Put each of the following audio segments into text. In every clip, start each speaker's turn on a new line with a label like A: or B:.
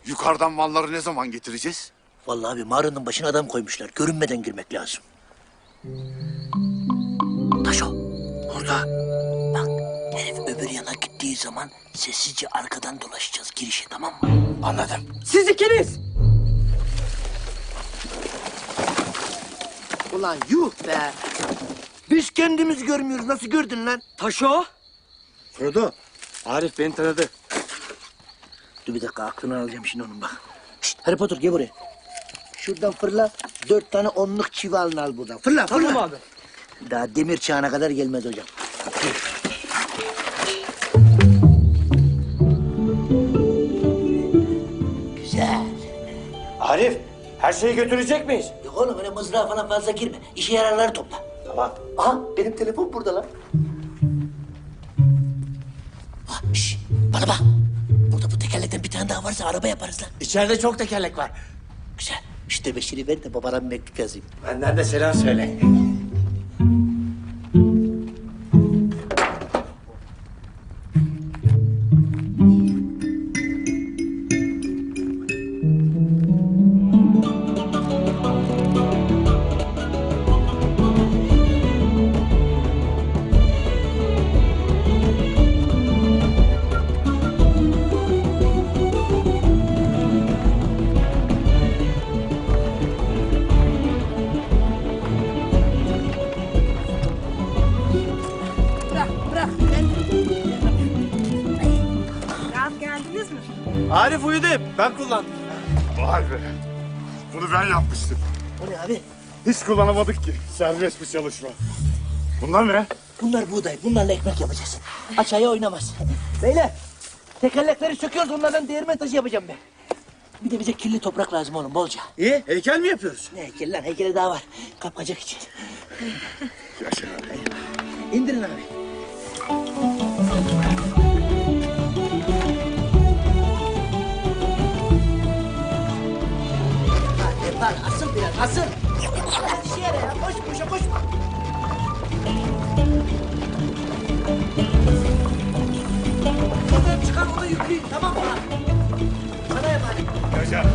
A: Yukarıdan malları ne zaman getireceğiz?
B: Vallahi abi mağaranın başına adam koymuşlar. Görünmeden girmek lazım. Taşo. Burada. Bak herif öbür yana gittiği zaman sessizce arkadan dolaşacağız girişe, tamam mı?
A: Anladım.
C: Siz ikiniz.
B: Ulan yuh be. Biz kendimiz görmüyoruz. Nasıl gördün lan?
C: Taşo.
A: Frodo, Arif beni tanıdı.
B: Dur bir dakika, aklını alacağım şimdi onun bak. Şşt, Harry Potter gel buraya. Şuradan fırla. 4 tane 10'luk çivi alın al buradan. Fırla fırla.
C: Tamam abi.
B: Daha demir çağına kadar gelmez hocam. Güzel.
D: Arif, her şeyi götürecek miyiz?
B: Yok oğlum öyle mızrağa falan fazla girme. İşe yararları topla.
D: Tamam.
B: Aha benim telefon burada lan. Ha, şş, bana bak. Burada bu tekerlekten bir tane daha varsa araba yaparız lan.
D: İçeride çok tekerlek var.
B: Güzel. İşte beşiri ver de babana bir mektup yazayım.
D: Benden de selam söyle.
C: Rahat geldiniz mi?
D: Arif uyudu hep, ben kullandım.
A: Vay be. Bunu ben yapmıştım.
B: O ne abi?
A: Hiç kullanamadık ki. Serbest bir çalışma. Bunlar ne?
B: Bunlar buğday. Bunlarla ekmek yapacağız. Aşağıya oynamaz. Beyler tekerlekleri söküyoruz. Onlardan değirmen taşı yapacağım ben. Bir de bize kirli toprak lazım oğlum bolca.
D: İyi, heykel mi yapıyoruz?
B: Ne heykeli lan? Heykeli daha var. Kapkacak için.
A: Yaşa abi.
B: İndirin abi. Hadi var, asıl biraz, asıl. Hadi işe yara ya, koş, boşa koşma. Oradan çıkar, onu yükleyin, tamam mı? Sana emanet.
A: Yaşa.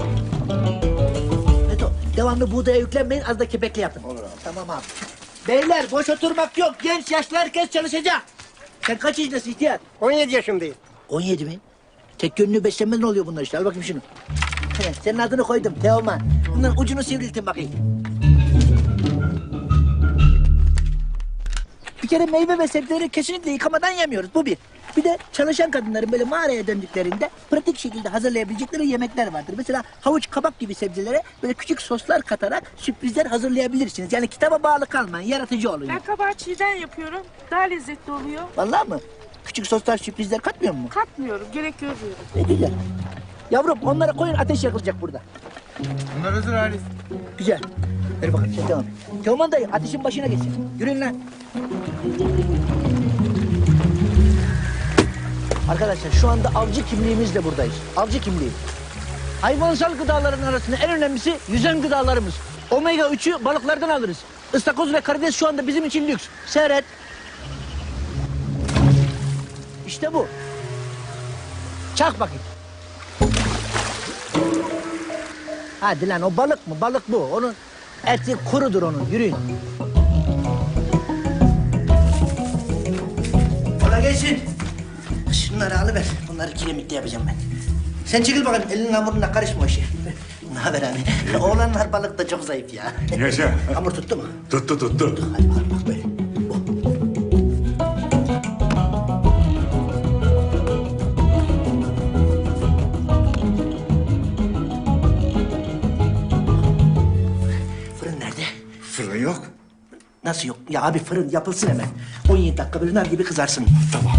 B: Beto, devamlı buğdaya yüklenmeyin, az da kepekli yapın. Olur abi. Tamam abi. Beyler, boş oturmak yok. Genç, yaşlı herkes çalışacak. Sen kaç yaşındasın ihtiyar?
C: 17 yaşındayım.
B: 17 mi? Tek yönlü beslenmeden oluyor bunlar işte. Al bakayım şunu. He, senin adını koydum Teoman. Bunların ucunu sivriltin bakayım. Bir kere meyve ve sebzeleri kesinlikle yıkamadan yemiyoruz. Bu bir. Bir de çalışan kadınların böyle mağaraya döndüklerinde pratik şekilde hazırlayabilecekleri yemekler vardır. Mesela havuç, kabak gibi sebzelere böyle küçük soslar katarak sürprizler hazırlayabilirsiniz. Yani kitaba bağlı kalmayın, yaratıcı olun.
E: Ben kabağı çiğden yapıyorum. Daha lezzetli oluyor.
B: Vallahi mı? Küçük soslar, sürprizler katmıyor mu?
E: Katmıyorum. Gerek görmüyorum.
B: Ne güzel. Yavrum onlara koyun, ateş yakılacak burada.
A: Bunlar hazır Arif.
B: Güzel. Ver bakalım sen devam et. Teoman dayı ateşin başına geçsin. Yürüyün lan. Arkadaşlar şu anda avcı kimliğimizle buradayız. Avcı kimliği. Hayvansal gıdaların arasında en önemlisi yüzen gıdalarımız. Omega 3'ü balıklardan alırız. Istakoz ve karides şu anda bizim için lüks. Seyret. İşte bu. Çak bakayım. Hadi lan o balık mı? Balık bu. Onun eti kurudur onun. Yürüyün. Kolay gelsin. Şunları alıver. Bunları kiremitte yapacağım ben. Sen çekil bakalım. Elinin hamuruna karışma o işe. Ne haber abi? Oğlanlar balık da çok zayıf ya.
A: Yaşa.
B: Hamur tuttu mu?
A: Tuttu tuttu.
B: Hadi bakalım bak böyle. Bu. Fırın nerede?
A: Fırın yok.
B: Nasıl yok? Ya abi fırın yapılsın hemen. 17 dakika böyle nar gibi kızarsın.
A: Tamam.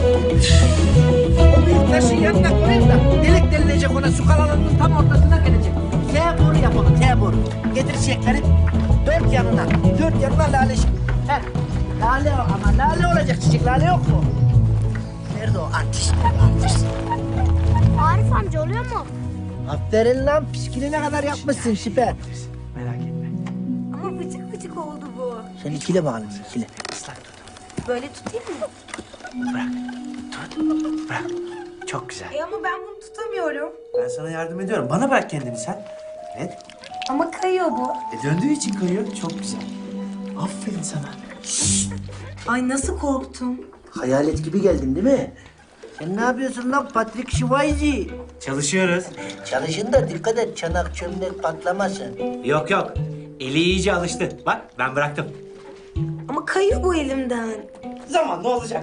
B: O büyük taşın yanına koyayım da delik delilecek ona, su kanalının tam ortasına gelecek. T boru yap onu, T boru. Getir çiçekleri dört yanına lale. He, lale o ama lale olacak çiçek, lale yok mu? Nerede o artist? Artist.
F: Arif amca oluyor mu?
B: Aferin lan, piskili kadar yapmışsın, süper.
F: Ama bıcık bıcık oldu bu.
B: Sen ikile bakalım, ikile.
F: Böyle tutayım mı?
B: Bırak.
D: Çok güzel.
F: Ama ben bunu tutamıyorum.
D: Ben sana yardım ediyorum. Bana bırak kendini sen. Evet.
F: Ama kayıyor bu.
D: Döndüğü için kayıyor. Çok güzel. Aferin sana.
F: Ay nasıl korktum.
B: Hayalet gibi geldin değil mi? Sen ne yapıyorsun lan Patrick Swayze?
D: Çalışıyoruz.
B: Çalışın da dikkat et çanak çömlek patlamasın.
D: Yok yok. Eli iyice alıştı. Bak ben bıraktım.
F: Ama kayıyor bu elimden.
D: Zamanla olacak.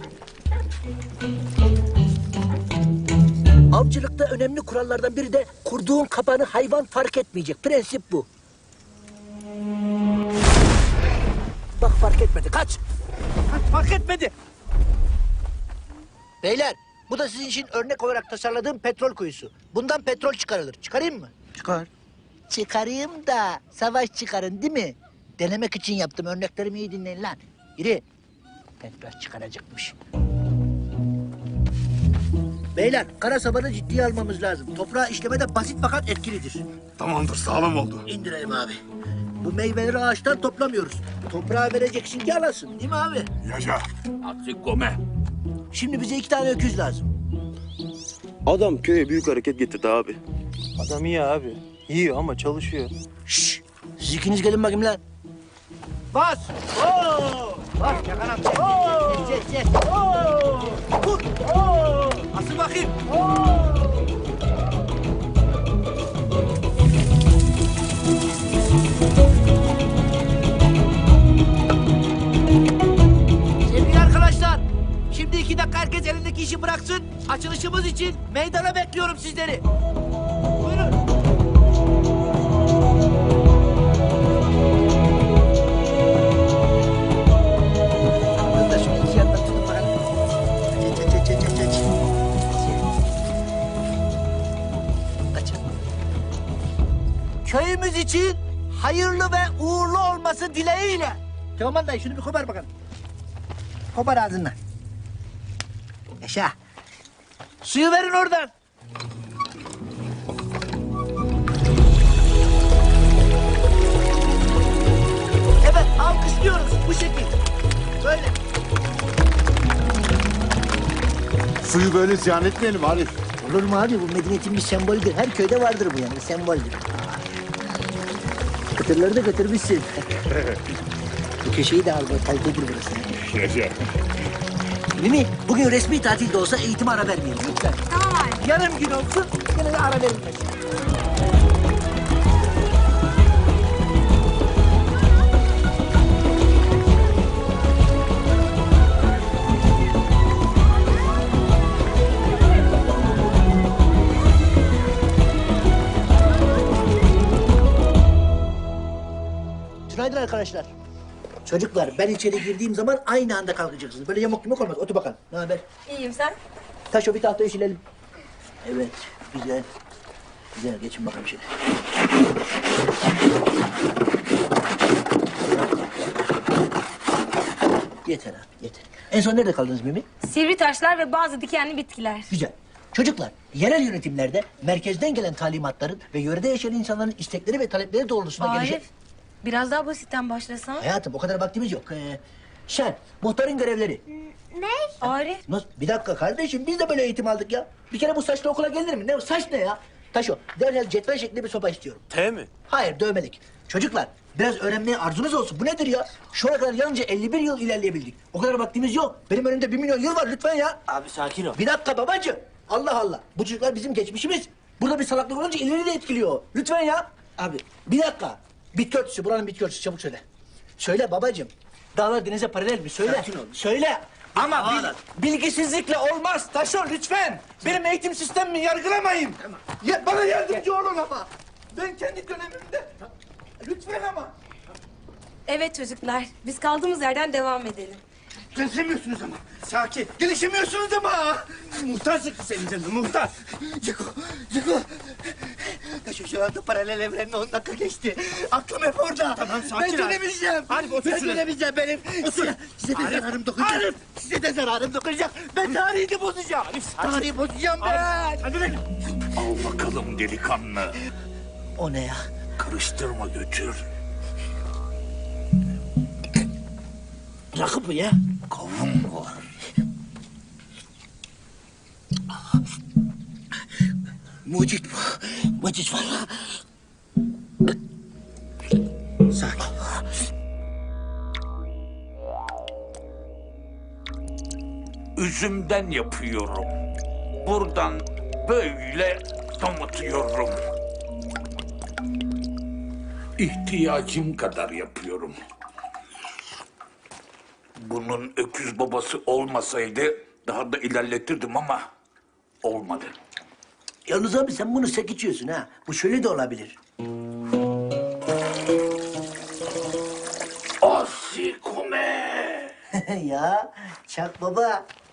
B: Avcılıkta önemli kurallardan biri de kurduğun kapanı hayvan fark etmeyecek. Prensip bu. Bak fark etmedi. Kaç. Kaç fark etmedi. Beyler bu da sizin için örnek olarak tasarladığım petrol kuyusu. Bundan petrol çıkarılır. Çıkarayım mı? Çıkar. Çıkarayım da savaş çıkarın değil mi? Denemek için yaptım. Örneklerimi iyi dinleyin lan. Yürü. Petrol çıkaracakmış. Beyler, kara sabanı ciddiye almamız lazım. Toprağı işlemede basit fakat etkilidir.
A: Tamamdır, sağlam oldu.
B: İndirelim abi. Bu meyveleri ağaçtan toplamıyoruz. Toprağa vereceksin ki alasın, değil mi abi?
A: Yaşa.
B: Şimdi bize 2 tane öküz lazım.
G: Adam köye büyük hareket getirdi abi.
H: Adam iyi abi. Yiyor ama çalışıyor.
B: Şşş! Siz ikiniz gelin bakayım lan. Bas! Oo! Bas yakarak. Oo! Çek. Oo! Vur! Oo! Asıl bakayım. Oo! Sevgili arkadaşlar, şimdi 2 dakika herkes elindeki işi bıraksın. Açılışımız için meydana bekliyorum sizleri. Buyurun. Anladın da şunu iki yandan tutun bakalım. Geç. Açın. Köyümüz için hayırlı ve uğurlu olması dileğiyle. Teoman dayı şunu bir kopar bakalım. Kopar ağzından. Yaşa. Suyu verin oradan. Evet, alkışlıyoruz bu şekil. Böyle.
A: Suyu böyle ziyan etmeyelim Arif.
B: Olur mu abi? Bu medeniyetin bir sembolüdür. Her köyde vardır bu yani, bir semboldür. Kıtırları da götürmüşsün. Bu köşeyi de al, bak, kalitedir burası.
A: Yaşa.
B: Mimi, bugün resmi tatil de olsa eğitime ara vermeyelim lütfen.
F: Tamam abi.
B: Yarım gün olsun, yine de ara verilmez. Günaydın arkadaşlar. Çocuklar, ben içeri girdiğim zaman aynı anda kalkacaksınız. Böyle yamuk yumuk olmaz. Otur bakalım. Ne haber?
F: İyiyim sen?
B: Taşo bir tahtayı silelim. Evet, güzel. Güzel, geçin bakalım şöyle. Yeter ha, yeter. En son nerede kaldınız Mimi?
F: Sivri taşlar ve bazı dikenli bitkiler.
B: Güzel. Çocuklar, yerel yönetimlerde merkezden gelen talimatların ve yörede yaşayan insanların istekleri ve talepleri doğrultusunda gelecek...
F: Arif, biraz daha basitten başlasan.
B: Hayatım, o kadar vaktimiz yok. Şen, muhtarın görevleri.
F: Arif,
B: Nasıl? Bir dakika kardeşim, biz de böyle eğitim aldık ya. Bir kere bu saçla okula gelir mi? Ne saç ne ya? Taşo, derhal cetvel şeklinde bir sopa istiyorum.
H: T mi?
B: Hayır, dövmelik. Çocuklar, biraz öğrenmeye arzunuz olsun. Bu nedir ya? Şu ana kadar yalnızca 51 yıl ilerleyebildik. O kadar vaktimiz yok. Benim önümde 1 milyon yıl var lütfen ya.
H: Abi sakin ol.
B: Bir dakika babacığım. Allah Allah. Bu çocuklar bizim geçmişimiz. Burada bir salaklık olunca ileri de etkiliyor. Lütfen ya. Abi bir dakika. Bitki örtüsü, buranın bitki örtüsü. Çabuk söyle. Söyle babacığım. Dağlar denize paralel mi? Söyle. Söyle.
D: Ama bilgisizlikle olmaz. Taşo lütfen. Benim eğitim sistemimi yargılamayın. Ya, bana yardımcı olun ama. Ben kendi dönemimde. Lütfen ama.
F: evet çocuklar. Biz kaldığımız yerden devam edelim.
D: Gelişemiyorsunuz ama. Sakin. Gelişemiyorsunuz ama. Muhtar sıktı senin canını, muhtar.
B: Ciko. Taşo şu anda paralel evrenle 10 dakika geçti. Aklım hep orada.
D: Tamam, sakin
B: Ben
D: Arif.
B: dönemeyeceğim.
D: Arif, otur
B: Ben
D: şuraya.
B: dönemeyeceğim benim.
D: Otur.
B: Size de
D: Arif,
B: zararım dokunacak.
D: Arif.
B: Size de zararım dokunacak. Ben tarihini bozacağım. Tarihi bozacağım ben.
D: Hadi lan.
I: Al bakalım delikanlı.
B: O ne ya?
I: Karıştırma götür.
B: Rakı bu ya.
I: Kavun var.
B: Mucit bu. Mucit valla. Sakin.
I: Üzümden yapıyorum. Buradan böyle damıtıyorum. İhtiyacım kadar yapıyorum. Bunun öküz babası olmasaydı daha da ilerletirdim ama olmadı.
B: Yalnız abi sen bunu sek içiyorsun ha. Bu şöyle de olabilir.
I: Asikome!
B: Ya Çak baba